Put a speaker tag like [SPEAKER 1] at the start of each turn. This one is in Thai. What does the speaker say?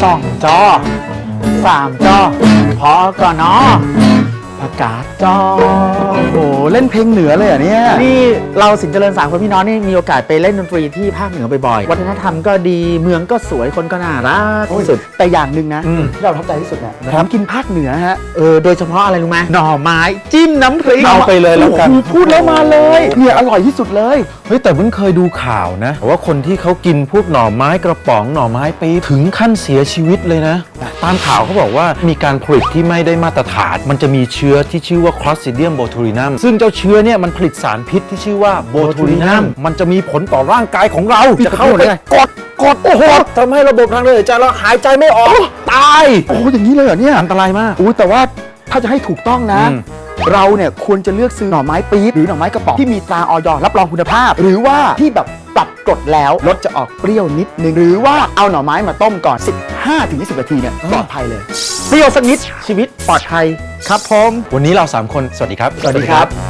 [SPEAKER 1] 2 จอ 3 จอ พอก่อนเนาะประกาศจอโอ้โหเล่นเพลงเหนือเลยเหรอเนี่ยนี่เราสินเจริญ3 คนพี่น้องนี่มีโอกาสไปเล่นดนตรีที่ภาคเหนือบ่อยๆวัฒนธรรมก็ดีเมืองก็สวยคนก็น่ารักที่สุดแต่อย่างหนึ่งนะที่เราประทับใจที่สุดเนี่ยผมกินภาคเหนือฮะโดยเฉพาะอะไรรู้ไหมหน่อไม้จิ้มน้ำพริก
[SPEAKER 2] เอาไปเลยแล้วกัน
[SPEAKER 1] พูดแล้วมาเลยเนี่ยอร่อยที่สุดเลย
[SPEAKER 2] เฮ้ยแต่เพิ่งเคยดูข่าวนะว่าคนที่เขากินพวกหน่อไม้กระป๋องหน่อไม้ปี๊บถึงขั้นเสียชีวิตเลยนะตามข่าวเขาบอกว่ามีการผลิตที่ไม่ได้มาตรฐานมันจะมีเชื้อที่ชื่อว่า Clostridium botulinum ซึ่งเจ้าเชื้อเนี่ยมันผลิตสารพิษที่ชื่อว่า botulinum มันจะมีผลต่อร่างกายของเราจะเข้าไปกดโอ้โหทำให้ระบบทางเดินหายใจเราหายใจไม่ออกตาย
[SPEAKER 1] โอ้อย่างนี้เลยเหรอเนี่ย
[SPEAKER 2] อันตรายมาก
[SPEAKER 1] แต่ว่าถ้าจะให้ถูกต้องนะเราเนี่ยควรจะเลือกซื้อหน่อไม้ปี๊บหรือหน่อไม้กระป๋องที่มีตราอย.รับรองคุณภาพหรือว่าที่แบบปรับกรดแล้วรสจะออกเปรี้ยวนิดนึงหรือว่าเอาหน่อไม้มาต้มก่อน 15-20 นาทีเนี่ยปลอดภัยเลยเปรี้ยวสักนิดชีวิตปลอดภัยครับผม
[SPEAKER 2] วันนี้เรา3 คนสวัสดีครับ
[SPEAKER 1] สวัสดีครับ